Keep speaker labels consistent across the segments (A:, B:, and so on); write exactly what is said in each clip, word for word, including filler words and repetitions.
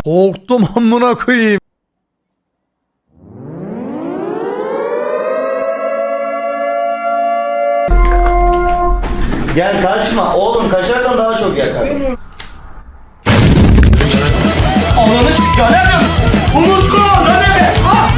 A: Korktum amına koyayım.
B: Gel kaçma. Oğlum kaçarsan daha çok yakar. Ananı s*** ya ne yapıyorsun? Umutku lan ne?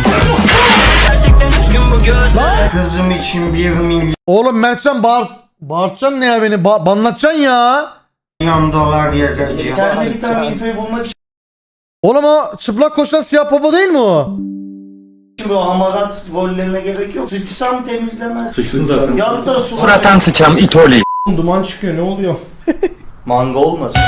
B: Kızım için bir milyon
A: Oğlum Mertcan bağır... Bağırtacaksın ne ya beni? Ba banlatacaksın ya.
B: dolar yatıracağım. Kendine bir tane infoyu bulmak için
A: Oğlum o çıplak koşan siyah baba değil mi o?
B: böyle hamarat gollerine gerek yok. Sıçsam temizlemez.
C: Sıçsın zaten.
B: Yat da su.
D: Fıratan sıçam itoli.
C: Duman çıkıyor ne oluyor?
B: Manga olmasın.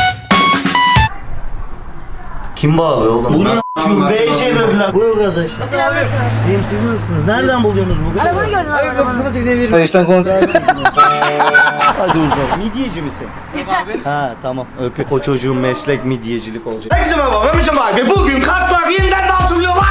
B: Kim bağlıyor oğlum? Bunu şubeye çevirdiler. Bu arkadaş.
E: Nasıl abi?
B: İyiyim siz nasılsınız? Nereden buluyorsunuz bu kadar?
E: Arabanı gördün abi. Arabanı.
D: Kayıştan kontrol.
B: Hadi uzak. Midyeci misin? Yok abi. Ha tamam öpü. O çocuğun meslek midyecilik olacak. Herkese merhaba ben Mücem abi. Bugün kartlar yeniden dağıtılıyorlar.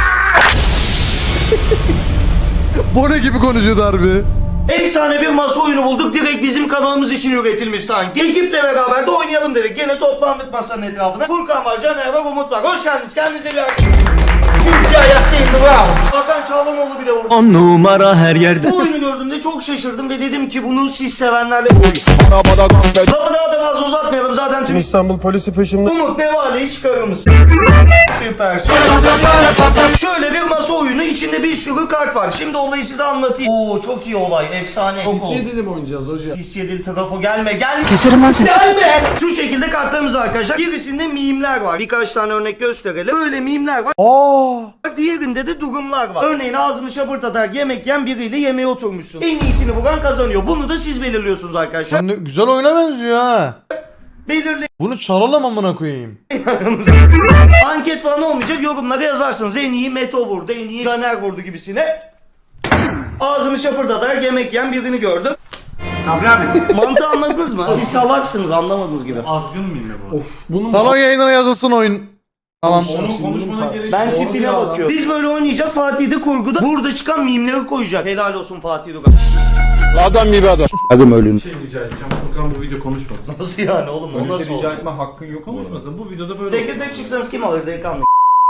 A: Bu ne gibi konuşuyordu harbi?
B: Efsane bir masa oyunu bulduk. Direkt bizim kanalımız için üretilmiş sanki. Ekiple beraber de oynayalım dedik. Gene toplandık masanın etrafına. Furkan var, Caner var, Umut var. Hoş geldiniz. Kendinize bir akşam. Türkiye ayaktayım. Bravo. Hakan Çağlanoğlu bile vurdu.
D: On numara her yerde.
B: Bu oyunu gördüğümde çok şaşırdım ve dedim ki bunu siz sevenlerle oynayın. Lafı daha da fazla uzatmayalım. Zaten tüm
C: İstanbul polisi peşimde.
B: Umut Nevale'yi çıkarır mısın? Süpersin. Şöyle bir masa oyunu, içinde bir sürü kart var. Şimdi olayı size anlatayım. Oo çok iyi olay, efsane. Çok oldu.
C: Dilim oynayacağız hocam.
B: Pis yedili trafo gelme gelme.
D: Keserim ben seni.
B: Gelme. Şu şekilde kartlarımız var arkadaşlar. Birisinde mimler var. Birkaç tane örnek gösterelim. Böyle mimler var.
A: Aa!
B: Diğerinde de durumlar var. Örneğin ağzını şapırtatarak yemek yiyen biriyle yemeğe oturmuşsun. En iyisini vuran kazanıyor. Bunu da siz belirliyorsunuz arkadaşlar.
A: Sen de güzel oyuna benziyor ha.
B: Belirleyin.
A: Bunu çalalım amına koyayım.
B: Anket falan olmayacak. Yorumlara yazarsınız. En iyi Meto vurdu, en iyi Caner vurdu gibisine. Ağzını şapırdatarak yemek yiyen birini gördüm.
F: Sabri abi.
B: Mantığı anladınız mı? Siz salaksınız anlamadığınız gibi.
F: Azgın mıyım ya bu?
C: Of bunun
A: Salon yayınına yazılsın oyun. Tamam.
C: Onun konuşmana gerek
B: Ben
C: yok.
B: tipine
C: Ya.
B: bakıyorum. Biz böyle oynayacağız. Fatih de kurguda. Burada çıkan mimleri koyacak. Helal olsun Fatih Dugan.
A: Adam gibi adam.
B: Adım ölüm.
F: Şey rica edeceğim. Furkan bu video konuşmasın.
B: Nasıl yani oğlum? O
C: Öyle
B: nasıl
C: bir şey rica
B: olacak?
C: etme hakkın yok mu?
F: Konuşmasın. Bu videoda böyle
B: Tek tek çıksanız kim alır delikanlı?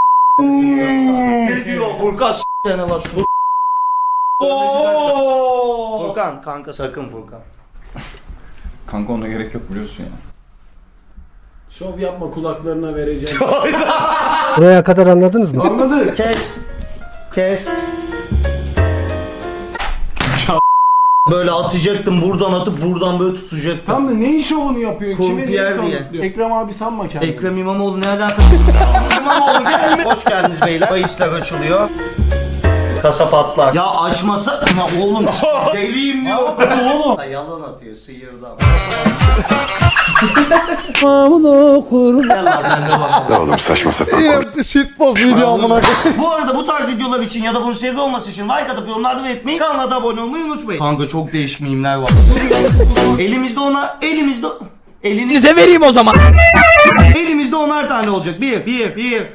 B: Ne diyor Furkan s*** sene var şu. Furkan kanka sakın Furkan.
C: Kanka ona gerek yok biliyorsun ya.
F: şov yapma kulaklarına vereceğim.
G: Buraya kadar anladınız mı?
F: Anladık.
B: Kes. Kes. Böyle atacaktım buradan atıp buradan böyle tutacaktım.
F: Tam da ne şovunu yapıyorsun? Kime
B: Kurpiyer
F: neyi
B: diye.
F: kanıtlıyor? Ekrem abi sanma kendini.
B: Ekrem İmamoğlu ne alakası? İmamoğlu gelme. Hoş geldiniz beyler. Bahisler açılıyor. Kasa patlar. Ya açmasa... Ya oğlum deliyim diyor. Oğlum. Ha, yalan atıyor sıyırdı ama. Gel lan sen de bakalım.
C: Oğlum saçma sapan.
A: Yine shitpost video amına koyayım.
B: Bu arada bu tarz videolar için ya da bunun seri olması için like atıp yorumlarda belirtmeyi, kanala da abone olmayı unutmayın. Kanka çok değişik mimler var. Elimizde ona, elimizde... Elini...
D: Size vereyim o zaman.
B: Elimizde onar tane olacak. Bir, bir, bir.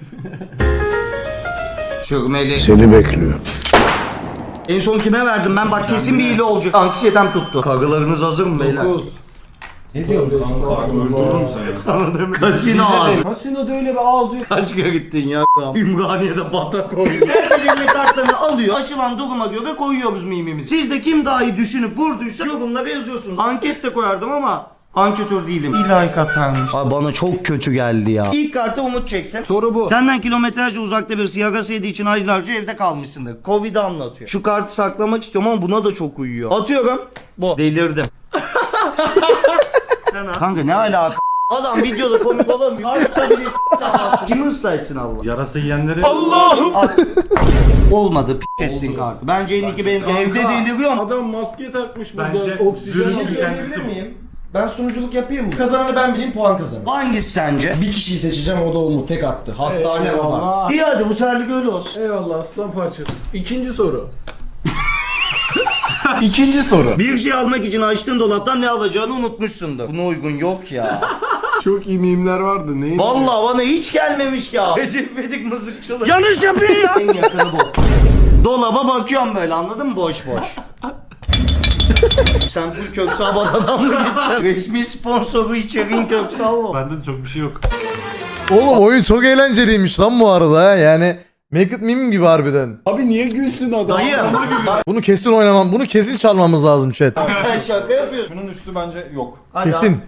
B: Çökmeli.
G: Seni bekliyor.
B: En son kime verdim ben? Bak kesin bir hile olacak. Anksiyetem tuttu. Kagılarınız hazır mı beyler?
C: Ne diyorsun kanka? Öldürürüm seni.
B: Kasino ağzı.
F: Kasinoda öyle bir ağzı yok.
B: Kaç kere gittin ya? Ümraniye'de batak oynuyor. Herkes eline kartlarını alıyor. Açılan duruma göre koyuyoruz mimimizi. Siz de kim daha iyi düşünüp vurduysa yorumlara yazıyorsunuz. Anket de koyardım ama anketör değilim. İlahi katarmış. Ay bana çok kötü geldi ya. İlk kartı Umut çeksin.
F: Soru bu.
B: Senden kilometrelerce uzakta birisi yarası yediği için aylarca evde kalmışsındır. Covid'i anlatıyor. Şu kartı saklamak istiyorum ama buna da çok uyuyor. Atıyorum. Bu. Delirdim. Sen al. Kanka ne alaka? Adam videoda komik olamıyor. Hayatta bile s***lamazsın. Kimi ıslaysın Allah?
F: Yarası yiyenleri...
B: At. Olmadı p*** ettin kartı. Bence en iyi ki benimki evde deliriyorum.
F: Adam maske takmış burada.
H: Bence
F: Oksijen
H: dürüst
F: alıyor.
H: bir söyleyebilir miyim? Ben sunuculuk yapayım mı? Kazananı ben bileyim, puan kazanır.
B: Hangisi sence?
H: Bir kişiyi seçeceğim, o da Umut. Tek attı. Hastane baba.
F: Eyvallah.
B: İyi hadi bu seferlik öyle olsun.
F: Eyvallah aslan parçası. İkinci soru. İkinci soru.
B: Bir şey almak için açtığın dolaptan ne alacağını unutmuşsundur. Buna uygun yok ya.
F: Çok iyi mimler vardı. Neyin?
B: Vallahi bana hiç gelmemiş ya. Recep İvedik mızıkçılık. Yanlış yapıyor ya. En yakını bu. Dolaba bakıyorum böyle anladın mı boş boş. Sen bu Köksal babadan mı gittin? Resmi sponsoru içeriğin Köksal mı?
F: Bende de çok bir şey yok.
A: Oğlum oyun çok eğlenceliymiş lan bu arada ha. Yani Make It Meme gibi harbiden.
F: Abi niye gülsün adam?
B: Dayı.
A: Bunu kesin oynamam. Bunu kesin çalmamız lazım chat.
B: Sen şaka yapıyorsun.
C: Şunun üstü bence yok.
B: Hadi
A: Kesin.
B: abi.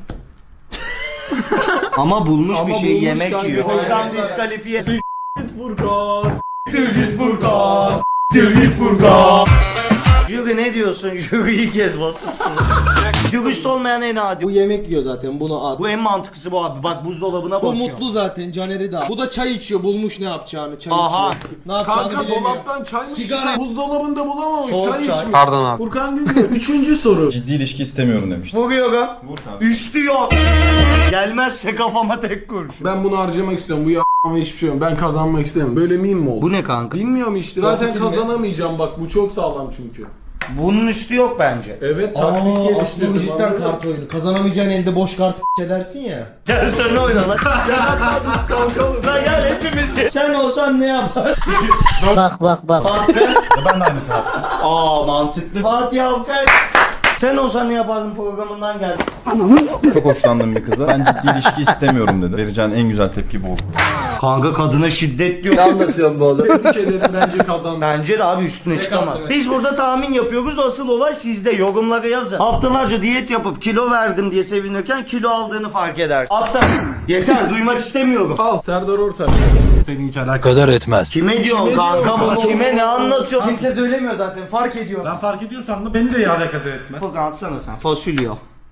B: Ama bulmuş
F: Ama
B: bir şey
F: bulmuş
B: yemek
F: kanka.
B: yiyor.
F: Aynen.
B: Furkan diskalifiye.
F: Furkan.
B: Git Furkan. Git Furkan. Jüri ne diyorsun? Jüri ilk kez basıyorsun. Dürüst olmayan en adi.
H: Bu yemek yiyor zaten bunu at.
B: Bu en mantıklısı bu abi. Bak buzdolabına
H: Bu
B: bakıyor.
H: mutlu zaten Caner'i de. Bu da çay içiyor bulmuş ne yapacağını çay
B: Aha.
H: içiyor. Ne yapacağını
F: Kanka
H: bilemiyor.
F: dolaptan çay mı
H: Sigara.
F: Sigara. Buzdolabında bulamamış
B: Soğuk
F: çay
B: çay.
F: içmiş.
G: Pardon abi.
F: Furkan Güngör. Üçüncü soru.
C: Ciddi ilişki istemiyorum demiştim.
B: Vuruyorum.
C: Vur kanka.
B: Üstü yok. Gelmezse kafama tek kurşun.
F: Ben bunu harcamak istiyorum. Bu ya***ma hiçbir şey yok. Ben kazanmak istemiyorum. Böyle miyim mi oldu?
B: Bu ne kanka?
F: Bilmiyorum işte. Zaten kazanamayacağım bak. Bu çok sağlam çünkü.
B: Bunun üstü yok bence.
F: Evet
H: Aa,
F: taktik
H: aslında bu
F: geliştirdim.
H: cidden
F: anladın mı?
H: kart oyunu. Kazanamayacağın elde boş kart edersin ya.
B: Gel sen oyna lan.
F: Biz kalkalım.
B: Lan gel hepimiz. Sen olsan ne yapar?
G: Bak bak bak.
B: Fatih.
C: Ben de aynısı yaptım.
B: Aa mantıklı. Fatih Alkay. Sen olsan ne yapardın programından geldin.
C: Çok hoşlandım bir kıza. Ben ciddi ilişki istemiyorum dedi. Vereceğin en güzel tepki bu oldu.
B: Kanka kadına şiddet diyor. Ne anlatıyorum bu oğlum?
F: Tebrik ederim bence kazandım.
B: Bence de abi üstüne çıkamaz. Biz burada tahmin yapıyoruz. Asıl olay sizde. Yorumlara yazın. Haftalarca diyet yapıp kilo verdim diye sevinirken kilo aldığını fark edersin. Hatta yeter duymak istemiyorum.
F: Al Serdar Ortaç.
D: Senin hiç alakadar etmez.
B: Kime diyorsun kanka bunu? Kime ne anlatıyorsun?
H: Kimse söylemiyor zaten fark ediyor.
D: Ben fark ediyorsam da beni de alakadar etmez.
B: Furkan atsana sen. Fasulye.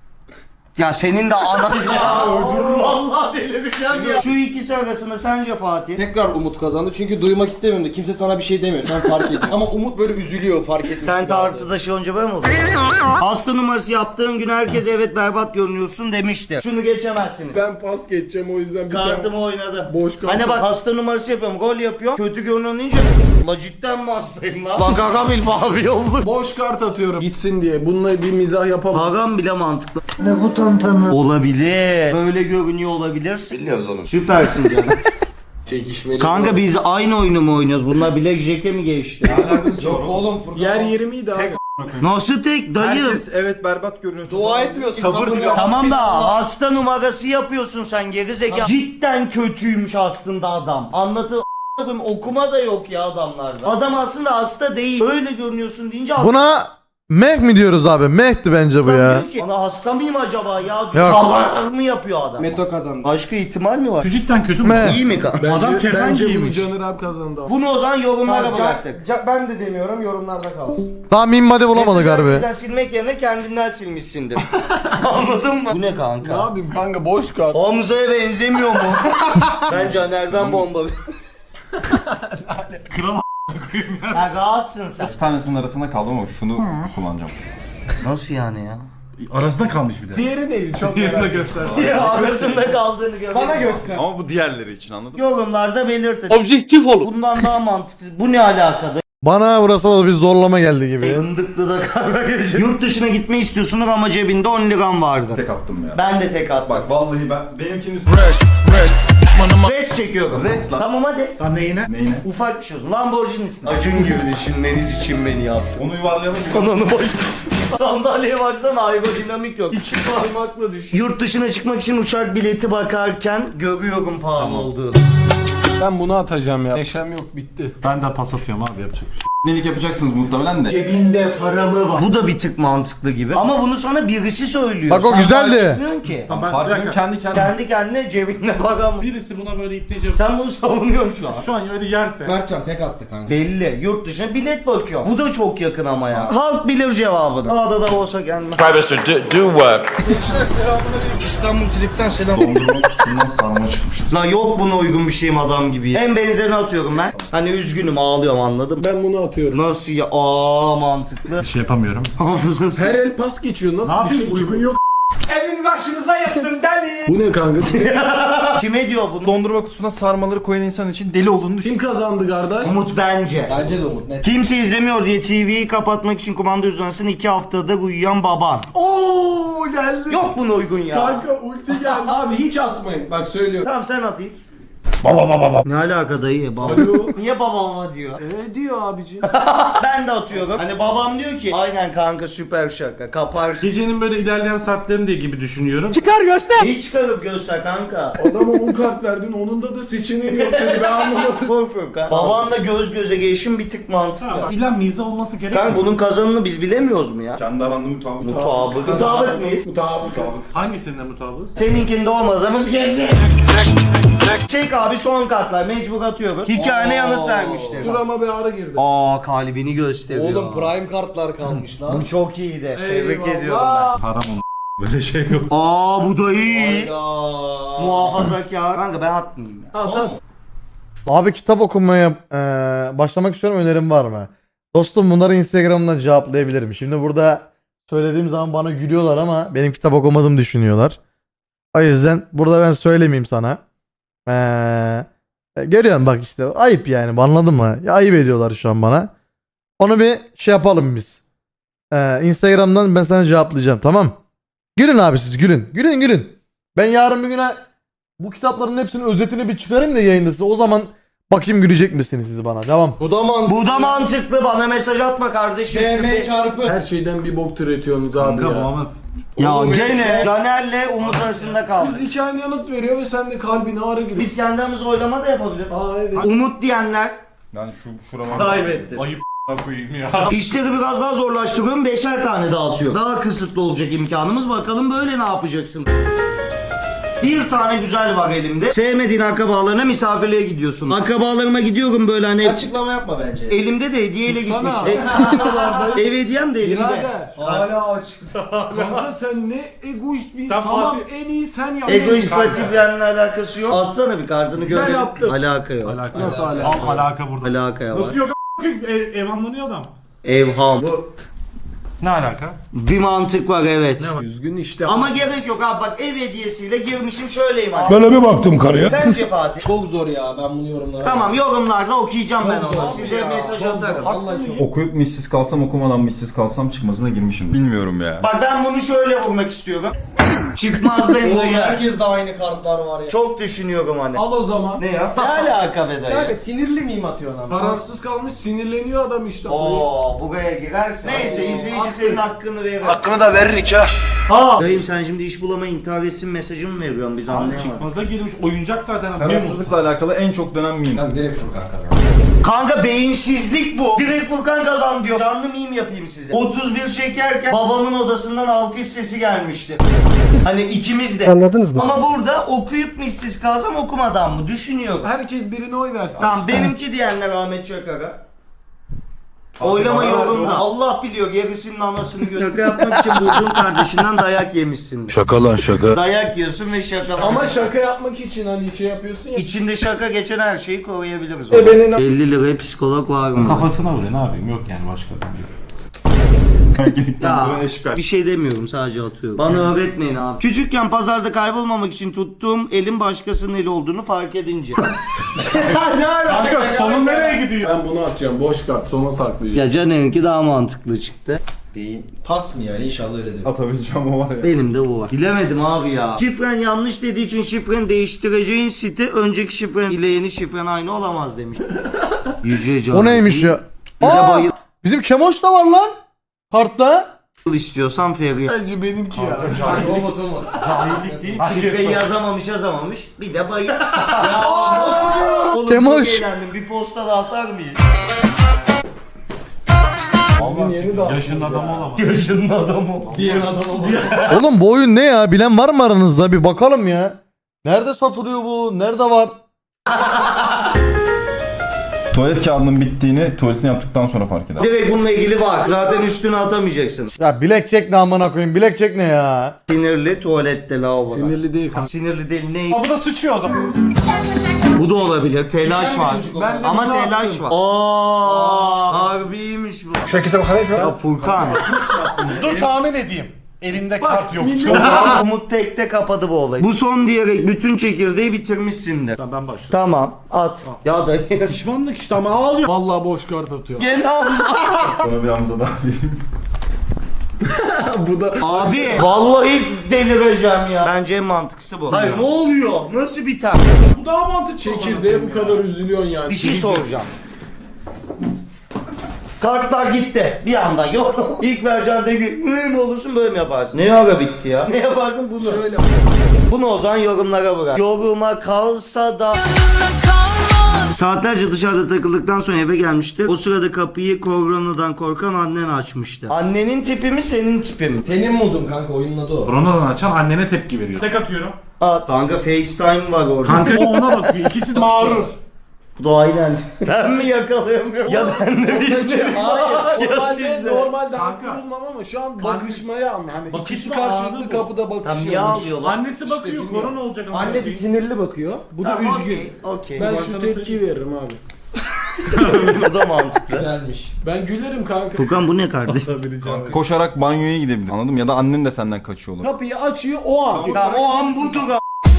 B: Ya senin de anan ya öldürürüm. Vallahi delireceğim ya. Şu ikisi arasında sence Fatih?
H: Tekrar Umut kazandı çünkü duymak istemiyorum da kimse sana bir şey demiyor sen fark ediyorsun. Ama Umut böyle üzülüyor fark etmiyor.
B: Sen tartıda şey önce ben mi oldum? Hasta numarası yaptığın gün herkes evet berbat görünüyorsun demişti. Şunu geçemezsiniz.
F: Ben pas geçeceğim o yüzden bir
B: Kartımı oynadım.
F: Boş kart.
B: Hani bak hasta numarası yapıyorum, gol yapıyorum. Kötü görünen deyince la cidden mi hastayım lan? Bak Hakan Bilf abi oldu.
F: boş kart atıyorum gitsin diye. Bununla bir mizah yapamam.
B: Hakan bile mantıklı. Ne bu tantana? Olabilir. Böyle görünüyor olabilirsin.
C: Biliyoruz oğlum.
B: Süpersin canım.
H: Çekişmeli.
B: Kanka biz aynı oyunu mu oynuyoruz? Bunlar Black Jack'e mi geçti?
H: Yok oğlum Furkan.
F: Yer yirmiydi abi.
B: Nasıl tek dayı?
C: Herkes evet berbat görünüyorsun.
H: Dua etmiyorsun.
C: Sabır diliyor.
B: Tamam da hasta numarası yapıyorsun sen gerizekalı. Cidden kötüymüş aslında adam. Anlatı okuma da yok ya adamlarda. Adam aslında hasta değil. Öyle görünüyorsun deyince
A: Buna Meh mi diyoruz abi? Meh'ti bence bu
B: adam
A: ya.
B: diyor ki, "Ana hasta mıyım acaba ya?
A: Yok.
B: Sabah mı yapıyor adam?
H: Meto kazandı.
B: Başka ihtimal mi var?
D: Şu cidden kötü mü?
A: Meh.
B: İyi mi kanka?
F: Bence,
D: Adam kefen
F: bence bunu
D: giymiş.
F: Caner abi kazandı. ama.
B: Bunu o zaman yorumlara
H: Tamam,
B: bıraktık.
H: Ca- Ca- ben de demiyorum yorumlarda kalsın.
A: Daha meme hadi bulamadık
B: Mesela
A: harbi.
B: Sizden silmek yerine kendinden silmişsindir. Anladın mı? Bu ne
F: Ne
B: kanka?
F: yapayım kanka boş kart.
B: Hamza'ya benzemiyor mu? Ben Caner'den bomba.
D: Kral
B: Ya rahatsın sen.
C: İki tanesinin arasında kaldım ama şunu kullanacağım.
B: Nasıl yani ya?
D: arasında kalmış bir de.
F: Diğeri neydi çok
D: Diğerini de
F: merak ettim.
D: göster.
B: Ya arasında kaldığını gör.
H: Bana göster.
C: Ama bu diğerleri için anladın mı?
B: Yorumlarda belirtin.
D: Objektif olun.
B: Bundan daha mantıklı. Bu ne alakada?
A: Bana burası da bir zorlama geldi gibi.
B: Fındıklı da kavga geçiyor. Yurt dışına gitme istiyorsunuz ama cebinde on liram vardı.
C: Tek attım ya.
B: Ben de tek attım.
C: Bak vallahi ben benimkinin üstüne
B: Res çekiyorum.
C: Res lan.
B: Tamam hadi.
D: Lan neyine?
C: Neyine?
B: Ufak bir şey olsun. Lamborghini'sin. Acun gibi düşünmeniz için beni yaptı.
C: Onu yuvarlayalım.
B: Kanonu boş. Sandalyeye baksana aerodinamik yok. İki parmakla düş. Yurt dışına çıkmak için uçak bileti bakarken görüyorum pahalı olduğunu.
F: Ben bunu atacağım ya. Neşem yok bitti.
D: Ben de pas atıyorum abi yapacak bir şey.
C: Nelik yapacaksınız muhtemelen de.
B: Cebinde paramı var. Bu da bir tık mantıklı gibi. Ama bunu sana birisi söylüyor.
A: Bak o
B: Sen
A: güzeldi.
B: fark etmiyorsun ki.
D: Tamam ben bir
C: Farkını
D: dakika.
C: kendi kendine.
B: Kendi kendine cebinde param.
D: Birisi buna böyle ipleyecek.
B: Sen bunu savunuyorsun şu an.
D: Şu an öyle yerse.
H: Mertcan tek attı kanka.
B: Belli. Yurt dışına bilet bakıyor. Bu da çok yakın ama ya. Halk bilir cevabını. Ağda da olsa gelmez. İstanbul Trip'ten selam.
C: Dondurma kutusundan sarma çıkmıştır.
B: La yok buna uygun bir şeyim adam gibi. En benzerini atıyorum ben. Hani üzgünüm ağlıyorum anladın mı?
F: Ben bunu atıyorum.
B: Nasıl ya? Aa mantıklı.
D: Bir şey yapamıyorum.
B: Hafızası.
F: Her el pas geçiyor. Nasıl
D: Ne
F: bir şey
D: yapayım?
F: ki
D: Uygun
F: bu?
D: yok.
F: Bu ne kanka?
B: Kime diyor bunu?
C: Dondurma kutusuna sarmaları koyan insan için deli olduğunu düşün.
F: Kim kazandı kardeş?
B: Umut bence.
H: Bence de Umut net.
B: Kimse izlemiyor diye T V'yi kapatmak için kumanda uzansın iki haftada uyuyan baban.
F: Oo geldi.
B: Yok buna uygun ya.
F: Kanka ulti geldi. Abi hiç atmayın. Bak söylüyorum.
B: Tamam sen at ilk. Baba baba baba. Ne alaka dayı? Baba. Niye baba baba diyor?
F: E diyor abici.
B: Ben de atıyorum. Hani babam diyor ki aynen kanka süper şaka kaparsın.
D: Gecenin böyle ilerleyen saatlerinde gibi düşünüyorum.
B: Hiç çıkarıp göster kanka.
F: Adama on kart verdin onun da da seçeneği yok dedi ben anlamadım.
B: Korkuyorum kanka. Babanla göz göze gelişim bir tık mantıklı.
D: Tamam. İlla mize olması gerekmiyor.
B: Kanka bunun kazanını biz bilemiyoruz mu ya?
C: Kendi aranda mutabık.
B: Mutabık. Mutabık mıyız?
F: Mutabık.
D: Hangisinde mutabız?
B: Seninkinde olmadığımız kesin. Çek abi son kartlar mecbur atıyoruz. Hikayene yanıt vermiştir.
F: Şurama bir ara girdi.
B: Aa kalbini gösteriyor.
H: Oğlum prime kartlar kalmış lan.
B: Bu çok iyiydi. Tebrik
F: Eyvallah.
B: ediyorum ben.
D: Saram onu. Böyle şey yok.
B: Aa bu da iyi.
H: Hayda.
B: Muhafazakar. Kanka ben atmayayım ya.
F: Tamam.
A: Abi kitap okumaya eee, başlamak istiyorum, önerim var mı? Dostum bunları Instagram'dan cevaplayabilirim. Şimdi burada söylediğim zaman bana gülüyorlar ama benim kitap okumadığımı düşünüyorlar. O yüzden burada ben söylemeyeyim sana. Eee görüyorsun bak işte ayıp yani, anladın mı? Ya, ayıp ediyorlar şu an bana. Onu bir şey yapalım biz. Eee, Instagram'dan ben sana cevaplayacağım, tamam? Gülün abi siz, gülün. Gülün gülün. Ben yarın bir güne bu kitapların hepsinin özetini bir çıkarayım da yayında size. O zaman bakayım gülecek misiniz siz bana. Devam.
H: Bu da mantıklı.
B: Bu da mantıklı. Bana mesaj atma kardeşim.
H: D M çarpı.
F: Her şeyden bir bok türetiyorsunuz abi
D: Kanka bu
F: ya.
D: ama
B: Ya
H: Oğlum,
B: gene Caner'le Umut arasında kaldı.
F: Kız hikayene yanıt veriyor ve sen de kalbine ağrı giriyor.
B: Biz kendimiz oylama da yapabiliriz.
F: Aa evet.
B: Umut diyenler
C: Yani şu şurama.
B: kaybetti.
D: ayıp koyayım ya.
B: İşleri biraz daha zorlaştırıyorum. Beşer tane dağıtıyor. Daha kısıtlı olacak imkanımız. Bakalım böyle ne yapacaksın? Bir tane güzel var elimde. Sevmediğin akrabalarına misafirliğe gidiyorsun. Akrabalarıma gidiyorum böyle hani.
H: Açıklama yapma bence.
B: Elimde de hediyeyle
F: Sana.
B: gitmiş. Ev hediyem de elimde.
F: Birader.
H: Hala açıkta.
F: Kanka sen ne egoist bir...
D: Sen
F: tamam
D: Fatih-
F: en iyi sen yap.
B: Egoist Patifiyen'le alakası yok. Atsana bir kartını görelim.
F: yaptım.
B: Alaka yok.
D: Alaka.
F: Nasıl alaka?
D: Al alaka burada.
B: Alaka var.
D: Nasıl yok a**? Ev, ev anlanıyor adam.
B: Evham. Bu
D: Ne alaka?
B: bir mantık var evet.
D: Ne var?
F: Üzgün işte.
B: Ama gerek yok abi bak ev hediyesiyle girmişim şöyleyim abi.
E: Böyle bir baktım karıya.
B: Sence Fatih?
H: Çok zor ya ben bunu yorumlara.
B: Tamam yorumlarda okuyacağım ben
H: Çok
B: onu.
H: zor
B: Size
H: ya,
B: mesaj
H: çok
B: atarım.
H: zor. Vallahi çok.
C: Okuyup missiz kalsam okumadan missiz kalsam çıkmasına girmişim. Bilmiyorum ya.
B: Bak ben bunu şöyle vurmak istiyorum. Çıkmazdayım
H: Oğlum
B: da
H: herkes de aynı kartlar var ya.
B: Çok düşünüyorum hani.
F: Al o zaman.
B: Ne ya? Ne alaka be dayı?
H: Kanka sinirli miyim atıyorsun ama?
F: Parasız kalmış sinirleniyor adam işte.
B: Oo buraya girersin. Neyse izleyici senin hakkını verir.
E: Hakkını da verir ha.
B: Ha. Dayım sen şimdi iş bulama intihar etsin mesajı mı veriyorsun biz
D: Abi
B: anlayamadık.
D: çıkmaza girmiş oyuncak zaten.
C: Kararsızlıkla alakalı en çok dönen miyim?
H: Kanka direkt Furkan kazandı.
B: Kanka beyinsizlik bu. Direkt Furkan kazan diyor. Canlı meme yapayım size. otuz bir çekerken babamın odasından alkış sesi gelmişti. Hani ikimiz de.
G: Anladınız mı?
B: Ama burada okuyup mu işsiz kalsam okumadan mı? Düşünüyorum.
F: Herkes birine oy versin.
B: Tamam benimki diyenler Ahmet Çakar'a. Oylama yolunda. Allah biliyor gerisinin anasını gör. Şaka yapmak için bulduğun kardeşinden dayak yemişsin.
E: Şaka lan şaka.
B: Dayak yiyorsun ve şaka.
F: Ama şaka yapmak için hani şey yapıyorsun ya.
B: İçinde şaka geçen her şeyi koruyabiliriz. E
F: benim-
B: elli liraya psikolog var mı?
D: Kafasına vuruyor ne yapayım yok yani başka.
C: Gittikten
B: Ya
C: sonra eşkal.
B: bir şey demiyorum sadece atıyorum. Bana öğretmeyin abi. Küçükken pazarda kaybolmamak için tuttuğum elin başkasının eli olduğunu fark edince. Ne alaka?
D: Kanka sonu nereye gidiyor?
F: Ben bunu atacağım boş kart sona saklayacağım.
B: Ya Caner'inki daha mantıklı çıktı.
H: Beyin. Pas mı ya inşallah öyledir.
C: Atabileceğim o var ya.
B: Benim de bu var. Bilemedim abi ya. Şifren yanlış dediği için şifreni değiştireceğin site önceki şifren ile yeni şifren aynı olamaz demiş. Yüce Can.
A: O neymiş ya?
B: Bir de
A: Aa,
B: bayıl
A: bizim Kemoş da var lan. Kartta.
B: istiyorsan Feriye.
F: Bence benimki ya.
H: Robot robot.
D: Cahillik değil.
B: Şifreyi yazamamış yazamamış. Bir de bayıl. ya Oğlum
A: Kemoş.
B: çok eğlendim. Bir posta da atar mıyız?
F: Bizim yeni de
D: Yaşın adamı olamaz.
B: Yaşının adamı.
H: Diğer adam oldu.
A: Oğlum bu oyun ne ya? Bilen var mı aranızda? Bir bakalım ya. Nerede satılıyor bu? Nerede var?
C: Tuvalet kağıdının bittiğini tuvaletini yaptıktan sonra fark eder.
B: Direkt bununla ilgili var. Zaten üstüne atamayacaksın.
A: Ya bilekçek ne amına koyayım? Bilekçek ne ya?
B: Sinirli tuvalette lavaboda.
F: Sinirli değil kanka.
B: Sinirli değil ne?
D: Aa, bu da sıçıyor o zaman.
B: Bu da olabilir. Telaş
H: Güzel bir
B: var.
H: çocuk o.
F: Ben de
B: Ama
F: bunu
B: telaş
F: attım.
B: var. Aa, harbiymiş bu.
E: Şu kitaba bakayım şu
B: Ya Furkan.
D: Dur tahmin edeyim. Elinde kart yok.
B: Umut tekte kapadı bu olayı. Bu son diyerek bütün çekirdeği bitirmişsindir.
D: Ben başlıyorum.
B: Tamam at. Ya da
D: Pişmanlık işte ama ağlıyor.
F: Vallahi boş kart atıyor.
B: gene al.
C: Sonra bir Hamza daha vereyim.
F: Bu da
B: Abi vallahi delireceğim ya. Bence en mantıklısı bu. Hayır ne oluyor? Nasıl biter?
D: Bu daha mantıklı.
F: çekirdeğe bu kadar üzülüyorsun yani.
B: Bir şey soracağım. Kartlar gitti. Bir anda yok. İlk vereceğin de bir mühim olursun böyle mi yaparsın? Ne ara bitti ya? Ne yaparsın bunu?
F: Şöyle.
B: Bunu o zaman yorumlara bırak. Yoruma kalsa da... Saatlerce dışarıda takıldıktan sonra eve gelmişti. O sırada kapıyı koronadan korkan annen açmıştı. Annenin tipi mi senin tipi mi?
H: Senin modun kanka oyunun adı o.
D: Koronadan açan annene tepki veriyor. Tek atıyorum.
B: At. Kanka FaceTime var orada.
D: Kanka o ona bakıyor. İkisi de mağrur.
B: Bu da aynen. Ben mi yakalayamıyorum? Ya ben de bilmiyorum.
F: Hayır.
B: Ya
F: Normalde
B: siz de.
F: normalde
D: Kanka.
F: haklı bulmam ama şu an bakışmaya anla. Hani
D: Bakışma
F: ikisi
D: anı
F: karşılıklı
D: bu.
F: kapıda
B: Tam niye
F: bakışıyormuş.
B: ağlıyorlar?
D: Annesi bakıyor.
F: bilmiyorum.
D: Korona olacak ama.
H: Annesi sinirli bakıyor. Bu da
B: Tamam,
H: üzgün.
B: okey, Okey.
F: Ben
D: Ben
F: şu
D: sana
F: tepki veririm abi.
B: Bu da mantıklı.
H: Güzelmiş.
F: Ben gülerim kanka.
B: Furkan bu ne kardeş?
C: Koşarak banyoya gidebilir. Anladın mı? Ya da annen de senden kaçıyor olabilir.
F: Kapıyı açıyor o an.
B: Tamam o an budur a-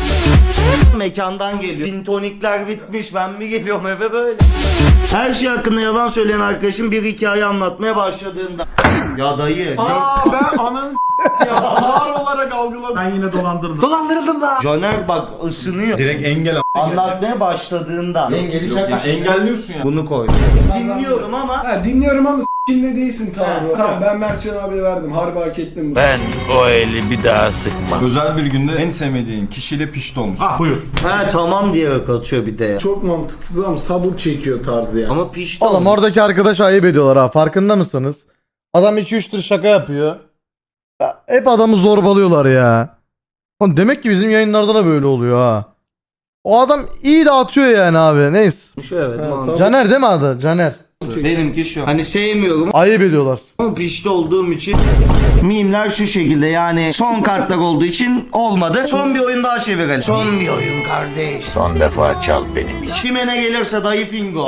B: Mekandan geliyor. Gin tonikler bitmiş. Ben mi geliyorum eve böyle? Her şey hakkında yalan söyleyen arkadaşım bir hikaye anlatmaya başladığında. Ya dayı.
F: Aa ben ananı s- ya sağır olarak algıladım.
D: Ben yine dolandırdım.
B: Dolandırıldım da. Caner bak ısınıyor.
C: Direkt engel
B: Anlatmaya başladığında.
H: Dengeli çakmış.
C: engelliyorsun ya.
B: Bunu koy. Dinliyorum ama.
F: Ha, dinliyorum ama s**kinle değilsin Tanrı. Tamam ben Mertcan abiye verdim. Harbi hak ettim.
E: Ben o eli bir daha sıkmam.
C: Özel bir günde en sevmediğin kişiyle pişti olmuşsun.
D: Ah buyur.
B: He tamam diyerek atıyor bir de ya.
F: Çok mantıksız ama sabır çekiyor tarzı yani.
B: Ama pişti.
A: Oğlum oradaki arkadaş ayıp ediyorlar ha. Farkında mısınız? Adam iki üç tür şaka yapıyor. Ya, hep adamı zorbalıyorlar ya. Oğlum demek ki bizim yayınlarda da böyle oluyor ha. O adam iyi de atıyor yani abi. Neyse.
B: Evet,
F: Ha,
B: mantıklı.
A: Caner değil mi adı? Caner.
B: Benimki şu. Hani sevmiyorum
A: Ayıp ediyorlar.
B: ama pişti olduğum için mimler şu şekilde yani son kartlar olduğu için olmadı. Son bir oyun daha çevirelim. Son bir oyun kardeş.
E: Son defa çal benim için.
B: Kime ne gelirse dayı fingo.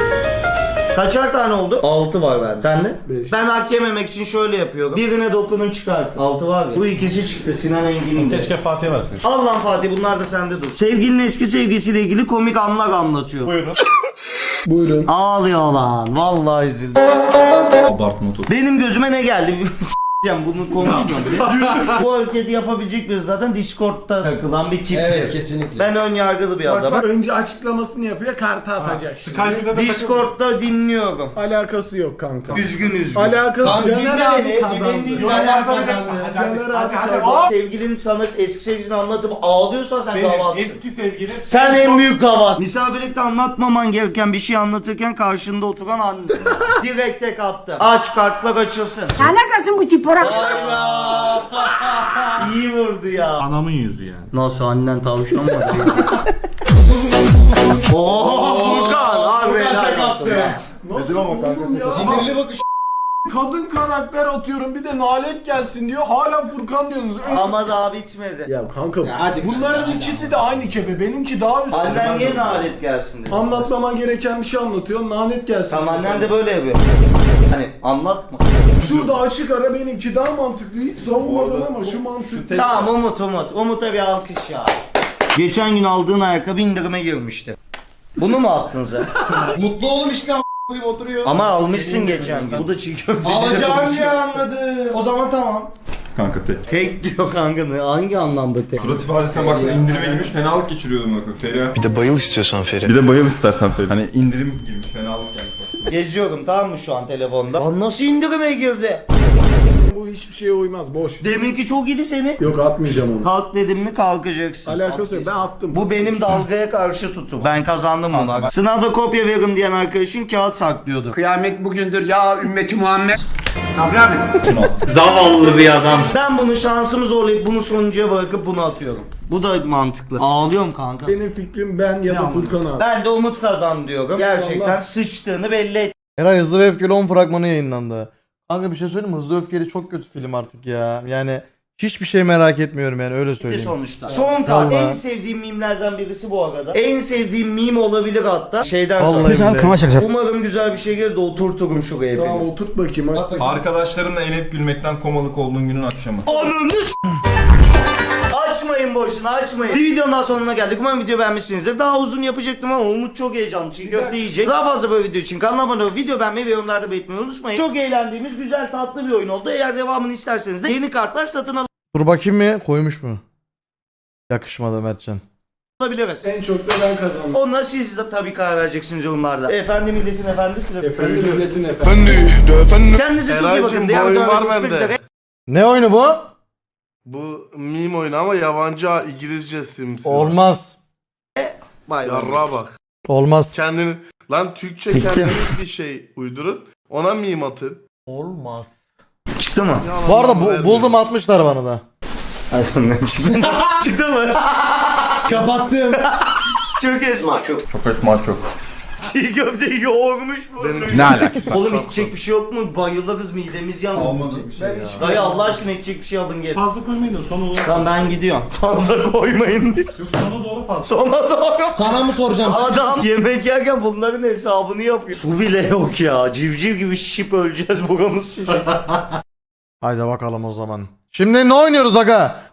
B: Kaçar tane oldu? altı var bende. Sen de?
F: Beş.
B: Ben hak yememek için şöyle yapıyorum. Birine dokunun çıkartın. altı var ya. Bu ikisi çıktı Sinan Engin'in de.
D: Keşke Fatih versin.
B: Al lan Fatih bunlar da sende dur. Sevgilinin eski sevgisiyle ilgili komik anlar anlatıyor.
D: Buyurun.
F: Buyurun.
B: Ağlıyor lan. Vallahi üzüldüm.
C: Abartma otur.
B: Benim gözüme ne geldi? S**eceğim bunu konuşmuyorum bile. Bu hareketi yapabilecek biri zaten Discord'da takılan bir tip.
H: Evet kesinlikle.
B: Ben ön yargılı bir
F: Bak
B: adamım.
F: bak önce açıklamasını yapıyor kartı atacak şimdi.
D: Skype'de de
B: Discord'da dinliyorum.
F: Alakası yok kanka.
B: Üzgün üzgün.
F: Alakası
H: Tamam,
F: Caner
H: dinle
F: abi
H: beni,
F: kazandı.
H: dinle, dinle. Caner kazandı.
F: Caner abi
D: hadi,
F: kazandı.
D: hadi.
B: Sevgilin sana eski sevgilisini anlatıp ağlıyorsan sen
D: Benim
B: gavatsın.
D: eski sevgilim.
B: Sen en büyük gavat. Misafirlikte anlatmaman gereken bir şey anlatırken karşında oturan anne. Direkt tek attı. Aç kartlar açılsın.
G: Alakası bu çipora.
B: Hayda. İyi vurdu ya.
D: Anamın yüzü yani.
B: Nasıl annen tavşan mı? Ooo Furkan. Harbi helal olsun.
F: Nasıl oğlum ya?
H: Sinirli bakış.
F: Kadın karakter atıyorum bir de nalet gelsin diyor. Hala Furkan diyorsunuz. Öyle-
B: Ama daha bitmedi.
F: Ya kanka
H: hadi
F: bunların
H: kanka.
F: ikisi de aynı kebe. Benimki daha üst.
B: Annen niye nalet gelsin dedi.
F: Anlatmaman gereken bir şey anlatıyor. Nanet gelsin.
B: Tamam
F: diyor
B: annen de böyle yapıyor. Hani anlatma.
F: Şurada açık ara benimki daha mantıklı. Hiç savunmadım ama şu mantıklı.
B: Tamam Umut Umut. Umut'a bir alkış ya. Geçen gün aldığın ayakkabı indirime girmişti. Bunu mu attın sen?
H: Mutlu oğlum işte a**ayım oturuyor.
B: Ama almışsın geçen gün. Bu da çiğ köfteci.
H: Alacağım diye anladı. O zaman tamam.
C: Kanka tek.
B: Tek diyor kanka ne? Hangi anlamda tek?
C: Surat ifadesine baksana indirime girmiş fenalık geçiriyordum bakın Feriha.
E: Bir de bayıl istiyorsan Feri.
C: Bir de bayıl istersen Feri. Hani indirim girmiş fenalık gelmiş bak.
B: Geziyorum tamam mı şu an telefonda? Lan nasıl indirime girdi?
F: Bu hiçbir şeye uymaz. Boş.
B: Deminki çok iyiydi seni.
F: Yok atmayacağım onu.
B: Kalk dedim mi kalkacaksın.
F: Alakası yok. Ben attım.
B: Bu benim dalgaya karşı tutum. Ben kazandım bunu. Sınavda kopya veririm diyen arkadaşın kağıt saklıyordu.
I: Kıyamet bugündür ya ümmeti Muhammed.
B: Zavallı bir adam. Ben bunu şansımı zorlayıp bunu sonuncuya bırakıp bunu atıyorum. Bu da mantıklı. Ağlıyorum kanka.
F: Benim fikrim ben ya da Furkan abi.
B: Ben de Umut kazan diyorum. Gerçekten
F: Allah.
B: sıçtığını belli et.
A: Eray Hızlı ve Öfkeli on fragmanı yayınlandı. Kanka bir şey söyleyeyim mi? Hızlı ve Öfkeli çok kötü film artık ya. Yani hiçbir şey merak etmiyorum yani öyle söyleyeyim.
B: Sonuçta. Son kart.
A: Vallahi.
B: En sevdiğim mimlerden birisi bu arada. En sevdiğim mim olabilir hatta. Şeyden
A: Vallahi
B: sonra.
A: billahi.
B: Umarım güzel bir şey gelir de oturturum şuraya
F: Tamam
B: hepiniz.
F: oturt bakayım. Aç.
C: Arkadaşlarınla eğlenip gülmekten komalık olduğun günün akşamı.
B: Ananı s- Aç Açmayın boşuna açmayın. Bir videonun daha sonuna geldik. Umarım video beğenmişsinizdir. Daha uzun yapacaktım ama Umut çok heyecanlı. Çiğ köfte yiyecek. Daha fazla böyle video için kanalıma abone olup video beğenmeyi ve yorumlarda belirtmeyi unutmayın. Çok eğlendiğimiz güzel tatlı bir oyun oldu. Eğer devamını isterseniz de yeni kartlar satın
A: Dur bakayım mı? Koymuş mu? Yakışmadı Mertcan.
B: alabiliriz.
F: En çok da ben kazandım.
B: Ona siz de tabii karar vereceksiniz yorumlarda. Efendi milletin efendisi.
F: Efendim milletin efendim.
B: Kendinize çok iyi bakın. Diğer videolarda görüşmek üzere.
A: Ne oyunu bu?
J: Bu meme oyunu ama yabancı İngilizce simsi.
A: Olmaz.
B: Bay bay.
J: Yarra bak.
A: Olmaz.
J: Kendini lan Türkçe kendiniz bir şey uydurun. Ona meme atın.
A: Olmaz.
B: Çıktı mı?
J: Yalan
A: Bu arada
J: lan,
A: bu,
J: vermiyor.
A: buldum atmışlar bana da.
B: Çıktı mı?
H: Kapattım.
B: Çok esma çok.
C: Çok etma çok.
B: Çiğ köfteyi yoğurmuş bu.
J: Benim-
C: Ne alakası?
B: Oğlum içecek bir şey yok mu? Bayılırız midemiz yalnız.
F: Ben hiç
B: Dayı Allah aşkına içecek bir şey alın gelin.
D: Fazla koymayın da sona doğru.
B: Tamam ben gidiyorum. Fazla koymayın.
D: Yok sona doğru fazla.
B: Sonra doğru.
H: Sana mı soracağım?
B: Adam yemek yerken bunların hesabını yapıyor. Su bile yok ya. Civciv gibi şişip öleceğiz buramız şişecek.
A: Haydi bakalım o zaman. Şimdi ne oynuyoruz aga?